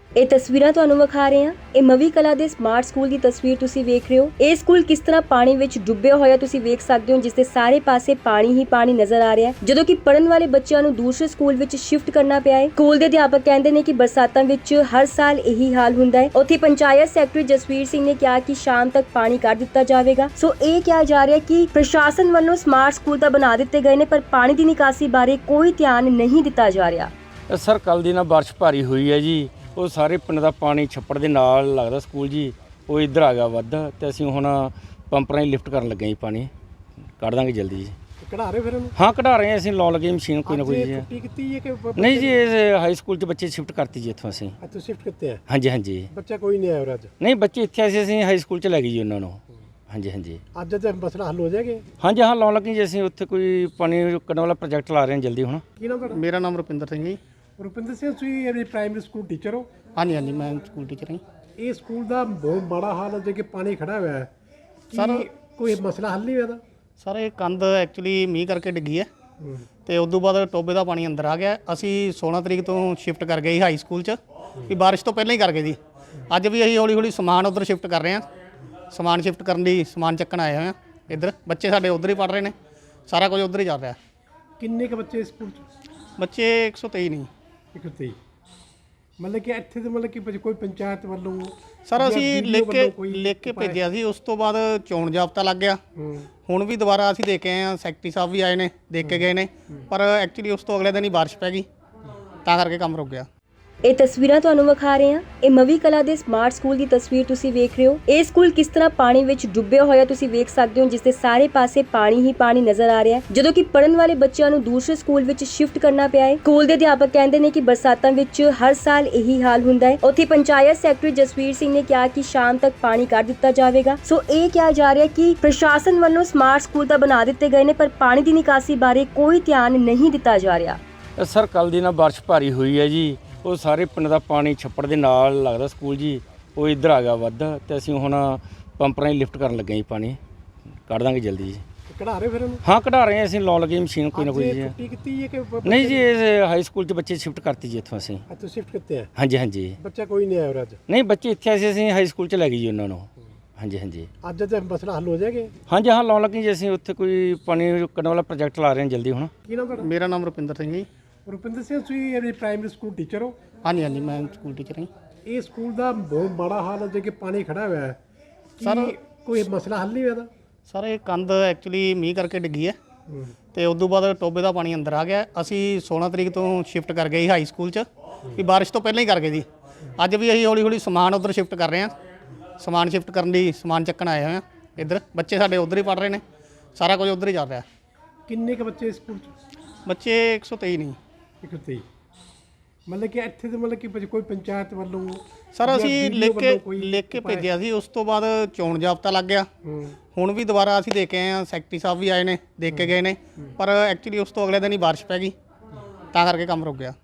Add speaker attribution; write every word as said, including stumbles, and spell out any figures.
Speaker 1: ਇਹ ਤਸਵੀਰਾਂ ਤੁਹਾਨੂੰ ਵਿਖਾ ਰਹੇ ਹਾਂ। ਇਹ ਮਵੀ ਕਲਾ ਦੇ ਸਮਾਰਟ ਸਕੂਲ ਦੀ ਤਸਵੀਰ ਤੁਸੀਂ ਵੇਖ ਰਹੇ ਹੋ। ਇਹ ਸਕੂਲ ਕਿਸ ਤਰ੍ਹਾਂ ਪਾਣੀ ਵਿੱਚ ਡੁੱਬਿਆ ਹੋਇਆ ਤੁਸੀਂ ਵੇਖ ਸਕਦੇ ਹੋ, ਜਿਸ ਦੇ ਸਾਰੇ ਪਾਸੇ ਪਾਣੀ ਹੀ ਪਾਣੀ ਨਜ਼ਰ ਆ ਰਿਹਾ ਹੈ। ਜਦੋਂ ਕਿ ਪੜਨ ਵਾਲੇ ਬੱਚਿਆਂ ਨੂੰ ਦੂਸਰੇ ਸਕੂਲ ਵਿੱਚ ਸ਼ਿਫਟ ਕਰਨਾ ਪਿਆ ਹੈ। ਸਕੂਲ ਦੇ ਅਧਿਆਪਕ ਕਹਿੰਦੇ ਨੇ ਕਿ ਬਰਸਾਤਾਂ ਵਿੱਚ ਹਰ ਸਾਲ ਇਹੀ ਹਾਲ ਹੁੰਦਾ ਹੈ। ਉੱਥੇ ਪੰਚਾਇਤ ਸੈਕਟਰੀ ਜਸਵੀਰ ਸਿੰਘ ਨੇ ਕਿਹਾ ਕਿ ਸ਼ਾਮ ਤੱਕ ਪਾਣੀ ਕੱਢ ਦਿੱਤਾ ਜਾਵੇਗਾ। ਸੋ ਇਹ ਕਿਹਾ ਜਾ ਰਿਹਾ ਕਿ ਪ੍ਰਸ਼ਾਸਨ ਵੱਲੋਂ ਸਮਾਰਟ ਸਕੂਲ ਤਾਂ ਬਣਾ ਦਿੱਤੇ ਗਏ ਨੇ, ਪਰ ਪਾਣੀ ਦੀ ਨਿਕਾਸੀ ਬਾਰੇ ਕੋਈ ਧਿਆਨ ਨਹੀਂ ਦਿੱਤਾ ਜਾ ਰਿਹਾ।
Speaker 2: ਸਰ ਕੱਲ੍ਹ ਦੀ ਨਾ ਬਾਰਿਸ਼ ਭਾਰੀ ਹੋਈ ਹੈ ਜੀ, ਉਹ ਸਾਰੇ ਪਿੰਡ ਦਾ ਪਾਣੀ ਛੱਪੜ ਦੇ ਨਾਲ ਲੱਗਦਾ ਸਕੂਲ ਜੀ, ਉਹ ਇੱਧਰ ਆ ਗਿਆ ਵੱਧ ਤੇ ਅਸੀਂ ਹੁਣ ਪੰਪ ਰਾਹੀਂ ਲਿਫਟ ਕਰਨ ਲੱਗੇ ਜੀ, ਪਾਣੀ ਕੱਢ ਦਾਂਗੇ ਜਲਦੀ ਜੀ।
Speaker 3: ਕਢਾ ਰਹੇ ਫਿਰ ਇਹਨੂੰ?
Speaker 2: ਹਾਂ ਕਢਾ ਰਹੇ ਹਾਂ ਅਸੀਂ, ਲਾਉਣ ਲੱਗੇ ਮਸ਼ੀਨ ਕੋਈ ਨਾ ਕੋਈ ਜੀ।
Speaker 3: ਛੁੱਟੀ ਕੀਤੀ ਹੈ ਕਿ
Speaker 2: ਨਹੀਂ ਜੀ, ਇਹ ਹਾਈ ਸਕੂਲ 'ਚ ਬੱਚੇ ਸ਼ਿਫਟ ਕਰਤੀ ਜੀ ਇੱਥੋਂ ਅਸੀਂ।
Speaker 3: ਅੱਛਾ ਸ਼ਿਫਟ ਕਿੱਥੇ ਆ?
Speaker 2: ਹਾਂਜੀ ਹਾਂਜੀ,
Speaker 3: ਬੱਚਾ ਕੋਈ ਨਹੀਂ ਆਇਆ ਅੱਜ?
Speaker 2: ਨਹੀਂ ਬੱਚੇ ਇੱਥੇ ਆਏ ਸੀ, ਅਸੀਂ ਹਾਈ ਸਕੂਲ 'ਚ ਲੈ ਗਏ ਜੀ ਉਹਨਾਂ ਨੂੰ। ਹਾਂਜੀ ਹਾਂਜੀ
Speaker 3: ਅੱਜ ਤੇ ਮਸਲਾ ਹੱਲ ਹੋ ਜਾਏਗਾ?
Speaker 2: ਹਾਂਜੀ ਹਾਂ, ਲਾਉਣ ਲੱਗੇ ਜੀ ਅਸੀਂ, ਉੱਥੇ ਕੋਈ ਪਾਣੀ ਕੱਢਣ ਵਾਲਾ ਪ੍ਰੋਜੈਕਟ ਲਾ ਰਹੇ ਹਾਂ ਜਲਦੀ ਹੁਣ।
Speaker 3: ਕੀ ਨਾਮ ਤੁਹਾਡਾ?
Speaker 4: ਮੇਰਾ ਨਾਮ ਰੁਪਿੰਦਰ ਸਿੰਘ ਜੀ।
Speaker 3: ਰੁਪਿੰਦਰ ਸਿੰਘ, ਤੁਸੀਂ ਇਹ ਪ੍ਰਾਇਮਰੀ ਸਕੂਲ ਟੀਚਰ ਹੋ?
Speaker 4: ਹਾਂਜੀ ਹਾਂਜੀ, ਮੈਂ ਸਕੂਲ ਟੀਚਰ ਹਾਂ।
Speaker 3: ਇਹ ਸਕੂਲ ਦਾ ਬਹੁਤ ਮਾੜਾ ਹਾਲ ਹੈ ਜੇ ਕਿ ਪਾਣੀ ਖੜਾ ਹੋਇਆ ਹੈ।
Speaker 4: ਸਰ
Speaker 3: ਕੋਈ ਮਸਲਾ ਹੱਲ ਨਹੀਂ ਹੋਇਆ?
Speaker 4: ਸਰ ਇਹ ਕੰਧ ਐਕਚੁਅਲੀ ਮੀਂਹ ਕਰਕੇ ਡਿੱਗੀ ਹੈ ਤੇ ਉਸ ਤੋਂ ਬਾਅਦ ਟੋਬੇ ਦਾ ਪਾਣੀ ਅੰਦਰ ਆ ਗਿਆ। ਅਸੀਂ ਸੋਲਾਂ ਤਰੀਕ ਤੋਂ ਸ਼ਿਫਟ ਕਰ ਗਏ ਹਾਈ ਸਕੂਲ 'ਚ, ਵੀ ਬਾਰਿਸ਼ ਤੋਂ ਪਹਿਲਾਂ ਹੀ ਕਰ ਗਏ ਜੀ। ਅੱਜ ਵੀ ਅਸੀਂ ਹੌਲੀ ਹੌਲੀ ਸਮਾਨ ਉੱਧਰ ਸ਼ਿਫਟ ਕਰ ਰਹੇ ਹਾਂ। ਸਮਾਨ ਸ਼ਿਫਟ ਕਰਨ ਲਈ ਸਮਾਨ ਚੱਕਣ ਆਏ ਹੋਏ ਹਾਂ ਇੱਧਰ। ਬੱਚੇ ਸਾਡੇ ਉੱਧਰ ਹੀ ਪੜ੍ਹ ਰਹੇ ਨੇ, ਸਾਰਾ ਕੁਝ ਉੱਧਰ ਹੀ ਚੱਲ ਰਿਹਾ।
Speaker 3: ਕਿੰਨੇ ਕੁ ਬੱਚੇ ਸਕੂਲ 'ਚ?
Speaker 4: ਬੱਚੇ ਇੱਕ ਸੌ ਤੇਈ ਨਹੀਂ।
Speaker 3: ਇੱਕ ਸੌ ਤੇਈ ਮਤਲਬ ਕਿ ਇੱਥੇ ਤੇ ਮਤਲਬ ਕਿ ਕੋਈ ਪੰਚਾਇਤ ਵੱਲੋਂ?
Speaker 4: ਸਰ ਅਸੀਂ ਲਿਖ ਕੇ ਲਿਖ ਕੇ ਭੇਜਿਆ ਸੀ, ਉਸ ਤੋਂ ਬਾਅਦ ਚੋਣ ਜਾਬਤਾ ਲੱਗ ਗਿਆ। ਹੁਣ ਵੀ ਦੁਬਾਰਾ ਅਸੀਂ ਦੇਖ ਕੇ ਆਏ ਹਾਂ, ਸੈਕਟਰੀ ਸਾਹਿਬ ਵੀ ਆਏ ਨੇ, ਦੇਖ ਕੇ ਗਏ ਨੇ, ਪਰ ਐਕਚੁਅਲੀ ਉਸ ਤੋਂ ਅਗਲੇ ਦਿਨ ਹੀ ਬਾਰਿਸ਼ ਪੈ ਗਈ, ਤਾਂ ਕਰਕੇ ਕੰਮ ਰੁਕ ਗਿਆ।
Speaker 1: ਇਹ ਤਸਵੀਰਾਂ ਤੁਹਾਨੂੰ ਵਿਖਾ ਰਹੇ ਹਾਂ। ਇਹ ਮਵੀ ਕਲਾ ਦੇ ਸਮਾਰਟ ਸਕੂਲ ਦੀ ਤਸਵੀਰ ਤੁਸੀਂ ਵੇਖ ਰਹੇ ਹੋ। ਇਹ ਸਕੂਲ ਕਿਸ ਤਰ੍ਹਾਂ ਪਾਣੀ ਵਿੱਚ ਡੁੱਬਿਆ ਹੋਇਆ ਤੁਸੀਂ ਵੇਖ ਸਕਦੇ ਹੋ, ਜਿਸ ਦੇ ਸਾਰੇ ਪਾਸੇ ਪਾਣੀ ਹੀ ਪਾਣੀ ਨਜ਼ਰ ਆ ਰਿਹਾ ਹੈ। ਜਦੋਂ ਕਿ ਪੜਨ ਵਾਲੇ ਬੱਚਿਆਂ ਨੂੰ ਦੂਸਰੇ ਸਕੂਲ ਵਿੱਚ ਸ਼ਿਫਟ ਕਰਨਾ ਪਿਆ ਹੈ। ਸਕੂਲ ਦੇ ਅਧਿਆਪਕ ਕਹਿੰਦੇ ਨੇ ਕਿ ਬਰਸਾਤਾਂ ਵਿੱਚ ਹਰ ਸਾਲ ਇਹੀ ਹਾਲ ਹੁੰਦਾ ਹੈ। ਉੱਥੇ ਪੰਚਾਇਤ ਸੈਕਟਰੀ ਜਸਵੀਰ ਸਿੰਘ ਨੇ ਕਿਹਾ ਕਿ ਸ਼ਾਮ ਤੱਕ ਪਾਣੀ ਕੱਢ ਦਿੱਤਾ ਜਾਵੇਗਾ। ਸੋ ਇਹ ਕਿਹਾ ਜਾ ਰਿਹਾ ਕਿ ਪ੍ਰਸ਼ਾਸਨ ਵੱਲੋਂ ਸਮਾਰਟ ਸਕੂਲ ਤਾਂ ਬਣਾ ਦਿੱਤੇ ਗਏ ਨੇ, ਪਰ ਪਾਣੀ ਦੀ ਨਿਕਾਸੀ ਬਾਰੇ ਕੋਈ ਧਿਆਨ ਨਹੀਂ ਦਿੱਤਾ ਜਾ ਰਿਹਾ।
Speaker 2: ਸਰ ਕੱਲ੍ਹ ਦੀ ਨਾ ਬਾਰਿਸ਼ ਭਾਰੀ ਹੋਈ ਹੈ ਜੀ, ਉਹ ਸਾਰੇ ਪਿੰਡ ਦਾ ਪਾਣੀ ਛੱਪੜ ਦੇ ਨਾਲ ਲੱਗਦਾ ਸਕੂਲ ਜੀ, ਉਹ ਇੱਧਰ ਆ ਗਿਆ ਵੱਧ ਤੇ ਅਸੀਂ ਹੁਣ ਪੰਪ ਰਾਹੀਂ ਲਿਫਟ ਕਰਨ ਲੱਗੇ ਜੀ, ਪਾਣੀ ਕੱਢ ਦਾਂਗੇ ਜਲਦੀ ਜੀ।
Speaker 3: ਕਢਾ ਰਹੇ ਫਿਰ ਇਹਨੂੰ?
Speaker 2: ਹਾਂ ਕਢਾ ਰਹੇ ਹਾਂ ਅਸੀਂ, ਲਾਉਣ ਲੱਗੇ ਮਸ਼ੀਨ ਕੋਈ ਨਾ ਕੋਈ ਜੀ।
Speaker 3: ਛੁੱਟੀ ਕੀਤੀ ਹੈ ਕਿ
Speaker 2: ਨਹੀਂ ਜੀ, ਇਹ ਹਾਈ ਸਕੂਲ 'ਚ ਬੱਚੇ ਸ਼ਿਫਟ ਕਰਤੀ ਜੀ ਇੱਥੋਂ ਅਸੀਂ।
Speaker 3: ਅੱਛਾ ਸ਼ਿਫਟ ਕਿੱਥੇ ਆ?
Speaker 2: ਹਾਂਜੀ ਹਾਂਜੀ,
Speaker 3: ਬੱਚਾ ਕੋਈ ਨਹੀਂ ਆਇਆ ਅੱਜ?
Speaker 2: ਨਹੀਂ ਬੱਚੇ ਇੱਥੇ ਆਏ ਸੀ, ਅਸੀਂ ਹਾਈ ਸਕੂਲ 'ਚ ਲੈ ਗਏ ਜੀ ਉਹਨਾਂ ਨੂੰ। ਹਾਂਜੀ ਹਾਂਜੀ
Speaker 3: ਅੱਜ ਤੇ ਮਸਲਾ ਹੱਲ ਹੋ ਜਾਏਗਾ?
Speaker 2: ਹਾਂਜੀ ਹਾਂ, ਲਾਉਣ ਲੱਗੇ ਜੀ ਅਸੀਂ, ਉੱਥੇ ਕੋਈ ਪਾਣੀ ਕੱਢਣ ਵਾਲਾ ਪ੍ਰੋਜੈਕਟ ਲਾ ਰਹੇ ਹਾਂ ਜਲਦੀ ਹੁਣ।
Speaker 3: ਕੀ ਨਾਮ ਤੁਹਾਡਾ?
Speaker 4: ਮੇਰਾ ਨਾਮ ਰੁਪਿੰਦਰ ਸਿੰਘ ਜੀ।
Speaker 3: ਰੁਪਿੰਦਰ ਸਿੰਘ, ਤੁਸੀਂ ਇਹ ਪ੍ਰਾਇਮਰੀ ਸਕੂਲ ਟੀਚਰ ਹੋ?
Speaker 4: ਹਾਂਜੀ ਹਾਂਜੀ, ਮੈਂ ਸਕੂਲ ਟੀਚਰ ਹਾਂ।
Speaker 3: ਇਹ ਸਕੂਲ ਦਾ ਬਹੁਤ ਮਾੜਾ ਹਾਲ ਹੈ ਜੇ ਕਿ ਪਾਣੀ ਖੜਾ ਹੋਇਆ ਹੈ।
Speaker 4: ਸਰ
Speaker 3: ਕੋਈ ਮਸਲਾ ਹੱਲ ਨਹੀਂ ਹੋਇਆ?
Speaker 4: ਸਰ ਇਹ ਕੰਧ ਐਕਚੁਅਲੀ ਮੀਂਹ ਕਰਕੇ ਡਿੱਗੀ ਹੈ ਤੇ ਉਸ ਤੋਂ ਬਾਅਦ ਟੋਬੇ ਦਾ ਪਾਣੀ ਅੰਦਰ ਆ ਗਿਆ। ਅਸੀਂ ਸੋਲਾਂ ਤਰੀਕ ਤੋਂ ਸ਼ਿਫਟ ਕਰ ਗਏ ਹਾਈ ਸਕੂਲ 'ਚ, ਵੀ ਬਾਰਿਸ਼ ਤੋਂ ਪਹਿਲਾਂ ਹੀ ਕਰ ਗਏ ਜੀ। ਅੱਜ ਵੀ ਅਸੀਂ ਹੌਲੀ ਹੌਲੀ ਸਮਾਨ ਉੱਧਰ ਸ਼ਿਫਟ ਕਰ ਰਹੇ ਹਾਂ। ਸਮਾਨ ਸ਼ਿਫਟ ਕਰਨ ਲਈ ਸਮਾਨ ਚੱਕਣ ਆਏ ਹੋਏ ਹਾਂ ਇੱਧਰ। ਬੱਚੇ ਸਾਡੇ ਉੱਧਰ ਹੀ ਪੜ੍ਹ ਰਹੇ ਨੇ, ਸਾਰਾ ਕੁਝ ਉੱਧਰ ਹੀ ਚੱਲ ਰਿਹਾ।
Speaker 3: ਕਿੰਨੇ ਕੁ ਬੱਚੇ ਸਕੂਲ 'ਚ?
Speaker 4: ਬੱਚੇ ਇੱਕ ਸੌ ਤੇਈ ਨਹੀਂ।
Speaker 3: ਇੱਕ ਸੌ ਤੇਈ ਮਤਲਬ ਕਿ ਇੱਥੇ ਤੇ ਮਤਲਬ ਕਿ ਕੋਈ ਪੰਚਾਇਤ ਵੱਲੋਂ?
Speaker 4: ਸਰ ਅਸੀਂ ਲਿਖ ਕੇ ਲਿਖ ਕੇ ਭੇਜਿਆ ਸੀ, ਉਸ ਤੋਂ ਬਾਅਦ ਚੋਣ ਜਾਬਤਾ ਲੱਗ ਗਿਆ। ਹੁਣ ਵੀ ਦੁਬਾਰਾ ਅਸੀਂ ਦੇਖ ਕੇ ਆਏ ਹਾਂ, ਸੈਕਟਰੀ ਸਾਹਿਬ ਵੀ ਆਏ ਨੇ, ਦੇਖ ਕੇ ਗਏ ਨੇ, ਪਰ ਐਕਚੁਅਲੀ ਉਸ ਤੋਂ ਅਗਲੇ ਦਿਨ ਹੀ ਬਾਰਿਸ਼ ਪੈ ਗਈ, ਤਾਂ ਕਰਕੇ ਕੰਮ ਰੁਕ ਗਿਆ।